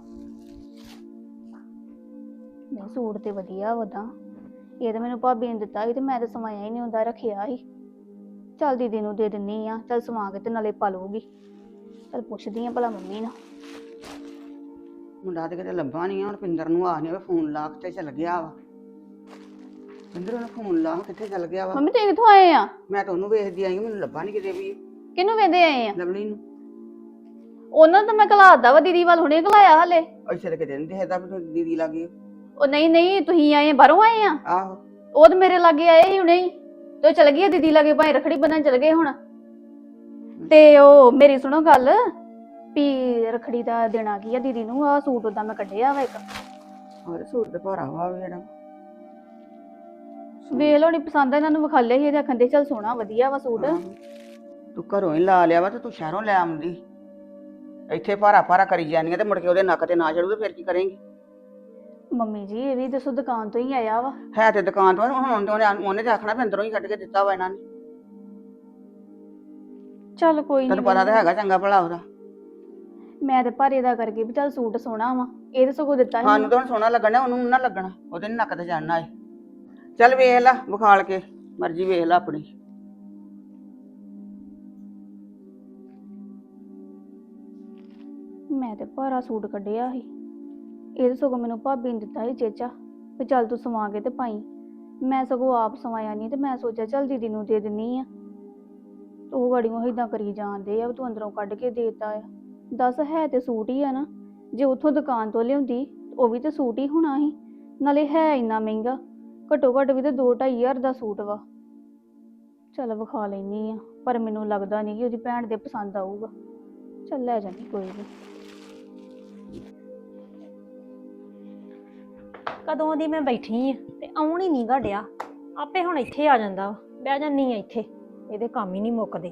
ਨਹੀਂ ਸੂਟ ਤੇ ਵਧੀਆ ਵਦਾ, ਇਹ ਤਾਂ ਮੈਨੂੰ ਭਾਬੀ ਨੇ ਦਿੱਤਾ ਸੀ ਤੇ ਮੈਂ ਤਾਂ ਸਵਾਇਆ ਹੀ ਨਹੀਂ ਹੁੰਦਾ, ਰੱਖਿਆ ਸੀ। ਚੱਲ ਦੀਦੀ ਨੂੰ ਦੇ ਦਿੰਨੀ ਆ, ਚੱਲ ਸਵਾ ਕੇ ਤੇ ਨਾਲੇ ਪਾ ਲਊਗੀ। ਚੱਲ ਪੁੱਛਦੀ ਆ ਭਲਾ ਮੰਮੀ ਨੂੰ। ਮੁੰਡਾ ਤੇ ਕਿਤੇ ਲੱਭਾ ਨਹੀਂ ਆ, ਰੁਪਿੰਦਰ ਨੂੰ ਆਖਨੇ ਫੋਨ ਲਾ ਕੇ ਚੱਲ ਗਿਆ ਵਾ। ਰੁਪਿੰਦਰ ਨੂੰ ਫੋਨ ਲਾ, ਕਿੱਥੇ ਚੱਲ ਗਿਆ ਵਾ? ਮੰਮੀ ਤੁਸੀਂ ਕਿੱਥੋਂ ਆਏ ਆ? ਮੈਂ ਤਾਂ ਉਹਨੂੰ ਵੇਖਦੀ ਆਈ, ਮੈਨੂੰ ਲੱਭਾ ਨਹੀਂ ਕਿਤੇ ਵੀ। ਕਿਹਨੂੰ ਵੇਂਦੇ ਆਏ ਆ? ਲਵਲੀ ਨੂੰ। ਉਹਨਾਂ ਨੂੰ ਤਾਂ ਮੈਂ ਘਲਾਦਾ ਵਾ, ਦੀਦੀ ਵੱਲ ਹੁਣੇ ਘਲਾਇਆ ਹਲੇ। ਅੱਛਾ ਤੇ ਕਿਤੇ ਨਹੀਂ ਦੇਖਦਾ ਵੀ ਤੂੰ ਦੀਦੀ ਲੱਗੀ। ਉਹ ਨਹੀਂ ਨਹੀਂ ਤੁਸੀਂ ਆਏ ਆ, ਬਾਹਰੋਂ ਆਏ ਆ? ਆਹੋ ਉਹ ਤਾਂ ਮੇਰੇ ਲਾਗੇ ਆਏ ਸੀ ਹੁਣੇ ਹੀ, ਤੇ ਉਹ ਚਲ ਗਈ ਆ ਦੀਦੀ ਲਾਗੇ, ਭਾਈ ਰੱਖੜੀ ਬੰਨਣ ਚਲ ਗਏ ਹੁਣ। ਤੇ ਉਹ ਮੇਰੀ ਸੁਣੋ ਗੱਲ, ਵੀ ਰੱਖੜੀ ਦਾ ਦੇਣਾ ਕੀ ਆ ਦੀਦੀ ਨੂੰ? ਆਹ ਸੂਟ ਉਦਾਂ ਮੈਂ ਕੱਢਿਆ ਵਾ ਇੱਕ। ਹੋਰ ਸੂਟ ਤੇ ਭਾਰਾ ਵਾ ਜਿਹੜਾ। ਵੇਖ ਲਓ, ਨਹੀਂ ਪਸੰਦ ਆ ਇਹਨਾਂ ਨੂੰ, ਵਿਖਾਲੇ ਸੀ ਇਹਦੇ ਅੱਖਾਂ ਦੇ, ਚੱਲ ਸੋਹਣਾ ਵਧੀਆ ਵਾ ਸੂਟ। ਆਹੋ। ਤੂੰ ਘਰੋਂ ਹੀ ਲਾ ਲਿਆ ਵਾ ਤੇ ਤੂੰ ਸ਼ਹਿਰੋਂ ਲੈ ਆਉਂਦੀ, ਇੱਥੇ ਭਾਰਾ ਭਾਰਾ ਕਰੀ ਜਾਨੀ ਆ ਤੇ ਮੁੜ ਕੇ ਉਹਦੇ ਨੱਕ ਤੇ ਨਾ ਚੜੂ ਤੇ ਫਿਰ ਕੀ ਕਰੇਂਗੀ? ਮੰਮੀ ਜੀ ਇਹ ਵੀ ਦੱਸੋ, ਦੁਕਾਨ ਤੋਂ ਹੀ ਆਇਆ ਵਾ। ਹੈ ਤੇ ਦੁਕਾਨ ਤੋਂ, ਹੁਣ ਤੇ ਉਹਨੇ ਤੇ ਆਖਣਾ ਵੀ ਅੰਦਰੋਂ ਹੀ ਕੱਢ ਕੇ ਦਿੱਤਾ ਵਾ ਇਹਨਾਂ ਨੇ। ਚੱਲ ਕੋਈ ਤੈਨੂੰ ਪਤਾ ਤਾਂ ਨਹੀਂ, ਹੈਗਾ ਚੰਗਾ ਭਲਾ ਉਹਦਾ। ਮੈਂ ਤੇ ਭਾਰੇ ਦਾ ਕਰਕੇ ਵੀ ਚੱਲ ਸੂਟ ਸੋਹਣਾ ਵਾ ਇਹ ਤੇ ਸਗੋਂ ਦਿੱਤਾ ਸੀ ਸਾਨੂੰ ਤਾਂ ਹੁਣ ਸੋਹਣਾ ਲੱਗਣਾ, ਉਹਨੂੰ ਨੀ ਨਾ ਲੱਗਣਾ, ਉਹਦੇ ਨੀ ਨੱਕ ਤੇ ਚੜਨਾ ਏ। ਚੱਲ ਵੇਖ ਲੈ ਵਿਖਾਲ ਕੇ, ਮਰਜ਼ੀ ਵੇਖ ਲੈ ਆਪਣੀ। ਮੈਂ ਤੇ ਭਾਰਾ ਸੂਟ ਕੱਢਿਆ ਸੀ ਇਹ ਤੇ ਸਗੋਂ ਮੈਨੂੰ ਭਾਬੀ ਨੇ ਦਿੱਤਾ ਸੀ ਚੇਚਾ ਵੀ ਚੱਲ ਤੂੰ ਸਵਾ ਕੇ ਤੇ ਪਾਈ। ਮੈਂ ਸਗੋਂ ਆਪ ਸਵਾਇਆ ਨਹੀਂ ਤੇ ਮੈਂ ਸੋਚਿਆ ਚੱਲ ਦੀਦੀ ਨੂੰ ਦੇ ਦਿੰਨੀ ਆ। ਉਹ ਗੜੀਆਂ ਇਦਾਂ ਕਰੀ ਜਾਂਦੇ ਆ ਵੀ ਤੂੰ ਅੰਦਰੋਂ ਕੱਢ ਕੇ ਦੇਤਾ ਆ। ਦੱਸ ਹੈ ਤੇ ਸੂਟ ਹੀ ਆ ਨਾ, ਜੇ ਉੱਥੋਂ ਦੁਕਾਨ ਤੋਂ ਲਿਆਉਂਦੀ ਉਹ ਵੀ ਤੇ ਸੂਟ ਹੀ ਹੋਣਾ ਸੀ, ਨਾਲੇ ਹੈ ਇੰਨਾ ਮਹਿੰਗਾ, ਘੱਟੋ ਘੱਟ ਵੀ ਤੇ 2-2.5 ਹਜ਼ਾਰ ਦਾ ਸੂਟ ਵਾ। ਚੱਲ ਵਿਖਾ ਲੈਣੀ ਆ, ਪਰ ਮੈਨੂੰ ਲੱਗਦਾ ਨਹੀਂ ਕਿ ਉਹਦੀ ਭੈਣ ਦੇ ਪਸੰਦ ਆਊਗਾ। ਚੱਲ ਲੈ ਜਾਂਦੀ ਕੋਈ ਨਹੀਂ। ਕਦੋਂ ਦੀ ਮੈਂ ਬੈਠੀ ਆ ਤੇ ਆਉਣ ਹੀ ਨਹੀਂ ਘੜਿਆ, ਆਪੇ ਹੁਣ ਇੱਥੇ ਆ ਜਾਂਦਾ ਵਾ। ਬਹਿ ਜਾਨੀ ਆ ਇੱਥੇ, ਇਹਦੇ ਕੰਮ ਹੀ ਨਹੀਂ ਮੁੱਕਦੇ।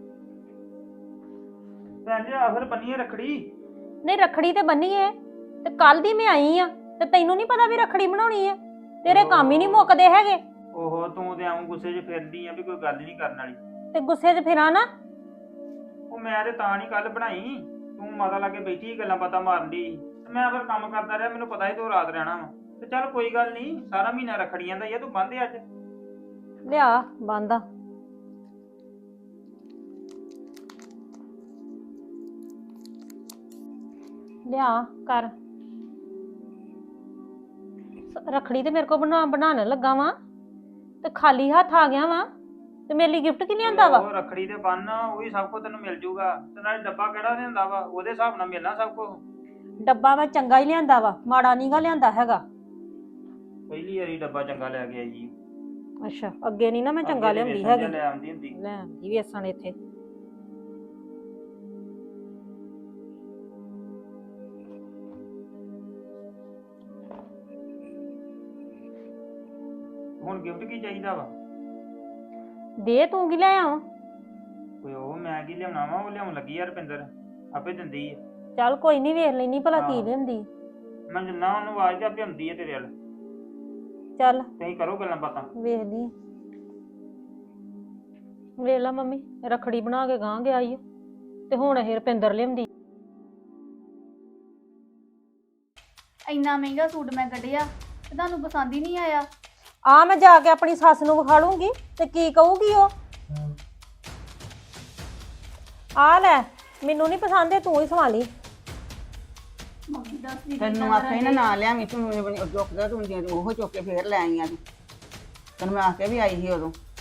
ਭੈਣ ਜੀ ਆ ਫਿਰ ਬੰਨੀਏ ਰੱਖੜੀ। ਨਹੀਂ ਰੱਖੜੀ ਤੇ ਬੰਨੀ ਏ, ਤੇ ਕੱਲ ਦੀ ਮੈਂ ਆਈ ਆ ਤੇ ਤੈਨੂੰ ਨਹੀਂ ਪਤਾ ਵੀ ਰੱਖੜੀ ਬਣਾਉਣੀ ਆ? ਤੇਰੇ ਕੰਮ ਹੀ ਨਹੀਂ ਮੁੱਕਦੇ ਹੈਗੇ। ਓਹੋ ਤੂੰ ਤੇ ਆਉਂ ਗੁੱਸੇ 'ਚ ਫਿਰਦੀ ਆ ਵੀ ਕੋਈ ਗੱਲ ਹੀ ਨਹੀਂ ਕਰਨ ਵਾਲੀ। ਤੇ ਗੁੱਸੇ 'ਚ ਫਿਰਾਂ ਨਾ। ਉਹ ਮੈਂ ਤੇ ਤਾਂ ਨਹੀਂ ਕੱਲ ਬਣਾਈ, ਤੂੰ ਮਾਤਾ ਲਾਗੇ ਬੈਠੀ ਗੱਲਾਂ ਬਾਤਾਂ ਮਾਰਨ ਦੀ। ਮੈਂ ਫਿਰ ਕੰਮ ਕਰਦਾ ਰਿਹਾ, ਮੈਨੂੰ ਪਤਾ ਸੀ ਤੂੰ ਰਾਤ ਰਹਿਣਾ ਵਾ। ਤੇ ਚੱਲ ਕੋਈ ਗੱਲ ਨਹੀਂ, ਸਾਰਾ ਮਹੀਨਾ ਰੱਖੜੀਆਂ ਦਾ ਹੀ ਆ, ਤੂੰ ਬੰਨ੍ਹ ਅੱਜ। ਲਿਆ ਬੰਦਾ। ਲਿਆ ਕਰ। ਰੱਖੜੀ ਤੇ ਮੇਰੇ ਕੋ ਬਣਾਉਣ ਲੱਗਾ ਵਾਂ ਤੇ ਖਾਲੀ ਹੱਥ ਆ ਗਿਆ ਵਾਂ, ਤੇ ਮੇਰੇ ਲਈ ਗਿਫਟ ਕੀ ਲਿਆਂਦਾ ਵਾ? ਉਹ ਰੱਖੜੀ ਤੇ ਬੰਨ, ਉਹੀ ਸਭ ਕੁਝ ਤੈਨੂੰ ਮਿਲ ਜੂਗਾ। ਤੇ ਨਾਲੇ ਡੱਬਾ ਕਿਹੜਾ ਲਿਆਂਦਾ ਵਾ, ਉਹਦੇ ਹਿਸਾਬ ਨਾਲ ਮਿਲਣਾ ਸਭ ਕੁਝ। ਡੱਬਾ ਮੈਂ ਚੰਗਾ ਹੀ ਲਿਆਂਦਾ ਵਾ, ਮਾੜਾ ਨੀਗਾ ਲਿਆਂਦਾ ਹੈਗਾ। ਪਹਿਲੀ ਵਾਰੀ ਡੱਬਾ ਚੰਗਾ ਲੈ ਕੇ ਆਈ ਜੀ। ਅੱਛਾ, ਅੱਗੇ ਨਹੀਂ ਨਾ ਮੈਂ ਚੰਗਾ ਅੱਗੇ ਤੇ ਲਿਆਉਂਦੀ ਵੇਸਣ ਜਿਹਾ ਹੈਗੀ। ਲੈ ਆਉਂਦੀ ਹੁੰਦੀ। ਲੈ ਆਉਂਦੀ ਵੇਸਣ ਇੱਥੇ। ਹੁਣ ਗਿਫਟ ਕੀ ਚਾਹੀਦਾ ਵਾ? ਦੇ ਤੂੰ ਕੀ ਲੈ ਆਵਾਂ? ਕੋਈ ਉਹ ਮੈਂ ਕੀ ਲਿਆਉਣਾ ਵਾ, ਉਹ ਲਿਆਉਣ ਲੱਗੀ ਆ ਰੁਪਿੰਦਰ, ਆਪੇ ਦਿੰਦੀ ਆ। ਚੱਲ ਕੋਈ ਨਹੀਂ, ਵੇਖ ਲੈਣੀ ਭਲਾ ਕੀ ਹਾਂ। ਲਿਆਂਦੀ। ਮੈਂ ਜਿੰਨਾ ਉਹਨੂੰ ਆਵਾਜ਼ ਤੇ ਆਪੇ ਆਉਂਦੀ ਆ ਤੇਰੇ ਵੱਲ। ਚੱਲ ਤੁਸੀਂ ਕਰੋ ਗੱਲਾਂ ਬਾਤਾਂ। ਵੇਖਦੀ। ਵੇਖ ਲਾ ਮੰਮੀ, ਰੱਖੜੀ ਬਣਾ ਕੇ ਗਾਂ ਗਿਆ ਈ ਓ, ਤੇ ਹੁਣ ਇਹ ਰੁਪਿੰਦਰ ਲਿਆਉਂਦੀ। ਇੰਨਾ ਮਹਿੰਗਾ ਸੂਟ ਮੈਂ ਕੱਢਿਆ ਤੇ ਤੁਹਾਨੂੰ ਪਸੰਦ ਹੀ ਨਹੀਂ ਆਇਆ। ਆ ਮੈਂ ਜਾ ਕੇ ਆਪਣੀ ਸੱਸ ਨੂੰ ਵਿਖਾ ਲੂੰਗੀ ਤੇ ਕੀ ਕਹੂਗੀ ਉਹ? ਆ ਲੈ, ਮੈਨੂੰ ਨਹੀਂ ਪਸੰਦ, ਤੂੰ ਹੀ ਸਵਾ ਲਈ। ਮੰਮੀ ਦੱਸ ਦੀ ਤੈਨੂੰ ਆਖੇ ਨਾ ਲਿਆਵੀਂ, ਤੂੰ ਚੁੱਕਦਾ ਤੂੰ ਉਹ ਚੁੱਕ ਕੇ ਫੇਰ ਲੈ ਆਈਆਂ ਤੂੰ। ਤੈਨੂੰ ਮੈਂ ਆਖ ਕੇ ਵੀ ਆਈ ਸੀ ਉਦੋਂ।